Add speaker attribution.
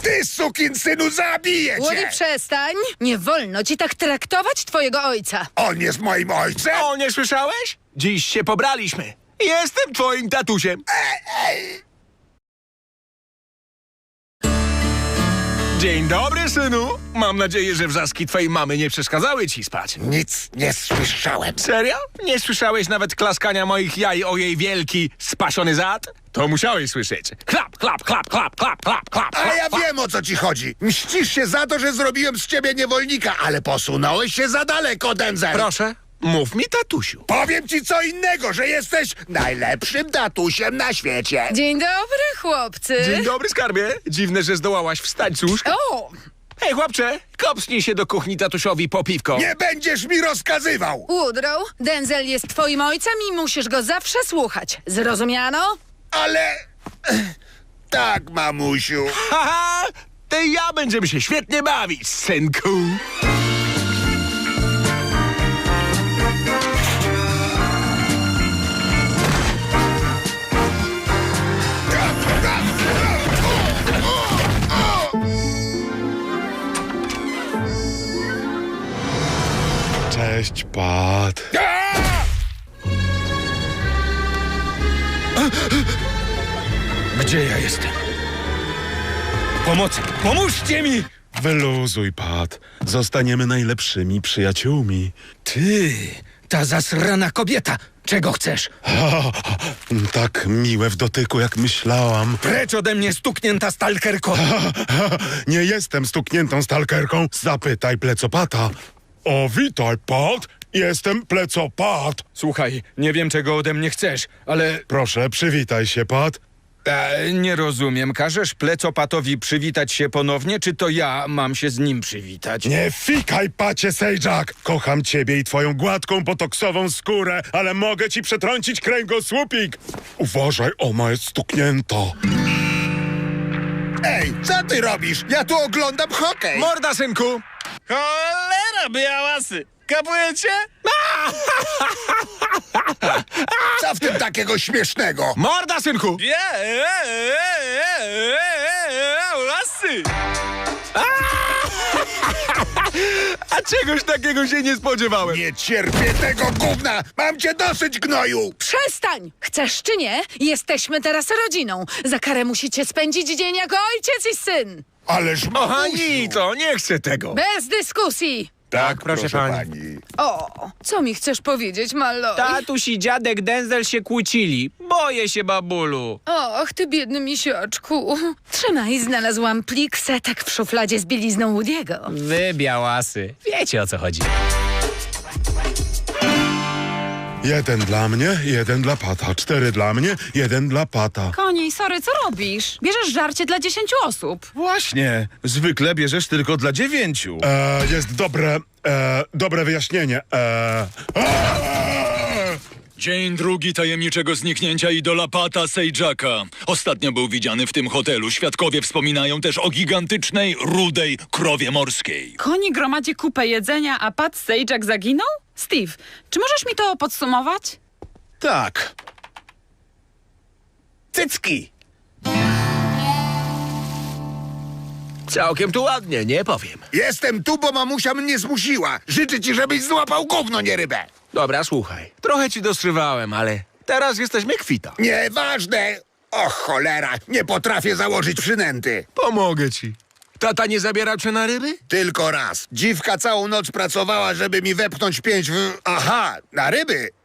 Speaker 1: Ty, sukinsynu, zabiję cię!
Speaker 2: Woody, przestań! Nie wolno ci tak traktować twojego ojca.
Speaker 1: On jest moim ojcem?
Speaker 3: O, nie słyszałeś? Dziś się pobraliśmy. Jestem twoim tatusiem. Dzień dobry, synu. Mam nadzieję, że wrzaski twojej mamy nie przeszkadzały ci spać.
Speaker 1: Nic nie słyszałem.
Speaker 3: Serio? Nie słyszałeś nawet klaskania moich jaj o jej wielki, spasiony zad? To musiałeś słyszeć. Klap, klap, klap, klap, klap, klap, klap.
Speaker 1: A ja wiem, o co ci chodzi. Mścisz się za to, że zrobiłem z ciebie niewolnika, ale posunąłeś się za daleko, Denzel.
Speaker 3: Proszę, mów mi, tatusiu.
Speaker 1: Powiem ci co innego, że jesteś najlepszym tatusiem na świecie.
Speaker 2: Dzień dobry, chłopcy.
Speaker 3: Dzień dobry, skarbie. Dziwne, że zdołałaś wstać z łóżka.
Speaker 2: O!
Speaker 3: Hej, chłopcze, kopsnij się do kuchni tatusiowi po piwko.
Speaker 1: Nie będziesz mi rozkazywał.
Speaker 2: Woodrow, Denzel jest twoim ojcem i musisz go zawsze słuchać. Zrozumiano?
Speaker 1: Ale... Tak, mamusiu.
Speaker 3: Haha, ty i ja będziemy się świetnie bawić, synku.
Speaker 4: Cześć, Pat.
Speaker 5: Gdzie ja jestem? Pomocy! Pomóżcie mi!
Speaker 4: Wyluzuj, Pat. Zostaniemy najlepszymi przyjaciółmi.
Speaker 5: Ty, ta zasrana kobieta! Czego chcesz?
Speaker 4: Tak miłe w dotyku, jak myślałam.
Speaker 5: Precz ode mnie, stuknięta stalkerko!
Speaker 4: Nie jestem stukniętą stalkerką. Zapytaj plecopata. O, witaj, Pat. Jestem plecopat.
Speaker 5: Słuchaj, nie wiem, czego ode mnie chcesz, ale...
Speaker 4: Proszę, przywitaj się, Pat.
Speaker 5: Nie rozumiem. Każesz plecopatowi przywitać się ponownie, czy to ja mam się z nim przywitać?
Speaker 4: Nie fikaj, pacie Sejak! Kocham ciebie i twoją gładką, botoksową skórę, ale mogę ci przetrącić kręgosłupik! Uważaj, ona jest stuknięta.
Speaker 1: Ej, co ty robisz? Ja tu oglądam hokej.
Speaker 3: Morda, synku.
Speaker 6: Cholera, białasy! Kapujecie?
Speaker 1: Co w tym takiego śmiesznego?
Speaker 3: Morda, synku.
Speaker 6: Białasy!
Speaker 3: A czegoś takiego się nie spodziewałem.
Speaker 1: Nie cierpię tego gówna! Mam cię dosyć, gnoju!
Speaker 2: Przestań! Chcesz czy nie? Jesteśmy teraz rodziną. Za karę musicie spędzić dzień jako ojciec i syn.
Speaker 1: Ależ
Speaker 3: Aha,
Speaker 1: mamusiu!
Speaker 3: nic, to nie chcę tego.
Speaker 2: Bez dyskusji.
Speaker 1: Tak,
Speaker 3: proszę pani.
Speaker 2: O, co mi chcesz powiedzieć, Malloy?
Speaker 6: Tatuś i dziadek Denzel się kłócili. Boję się, babulu.
Speaker 2: Och, ty biedny misiaczku. Trzymaj, znalazłam plik setek w szufladzie z bielizną Woody'ego.
Speaker 6: Wy, białasy, wiecie o co chodzi.
Speaker 4: 1 dla mnie, 1 dla Pata. 4 dla mnie, 1 dla Pata.
Speaker 7: Koni, sorry, co robisz? Bierzesz żarcie dla 10 osób.
Speaker 5: Właśnie. Zwykle bierzesz tylko dla 9.
Speaker 4: Jest dobre wyjaśnienie.
Speaker 8: Dzień drugi tajemniczego zniknięcia idola Pata Sejaka. Ostatnio był widziany w tym hotelu. Świadkowie wspominają też o gigantycznej, rudej krowie morskiej.
Speaker 7: Koni gromadzi kupę jedzenia, a Pat Sajak zaginął? Steve, czy możesz mi to podsumować?
Speaker 5: Tak.
Speaker 3: Cycki. Całkiem tu ładnie, nie powiem.
Speaker 1: Jestem tu, bo mamusia mnie zmusiła. Życzę ci, żebyś złapał gówno, nie rybę.
Speaker 3: Dobra, słuchaj. Trochę ci dostrywałem, ale teraz jesteśmy kwita.
Speaker 1: Nieważne. Och, cholera, nie potrafię założyć przynęty.
Speaker 3: Pomogę ci. Tata nie zabierał cię na ryby?
Speaker 1: Tylko raz. Dziwka całą noc pracowała, żeby mi wepchnąć 5 w... Aha, na ryby.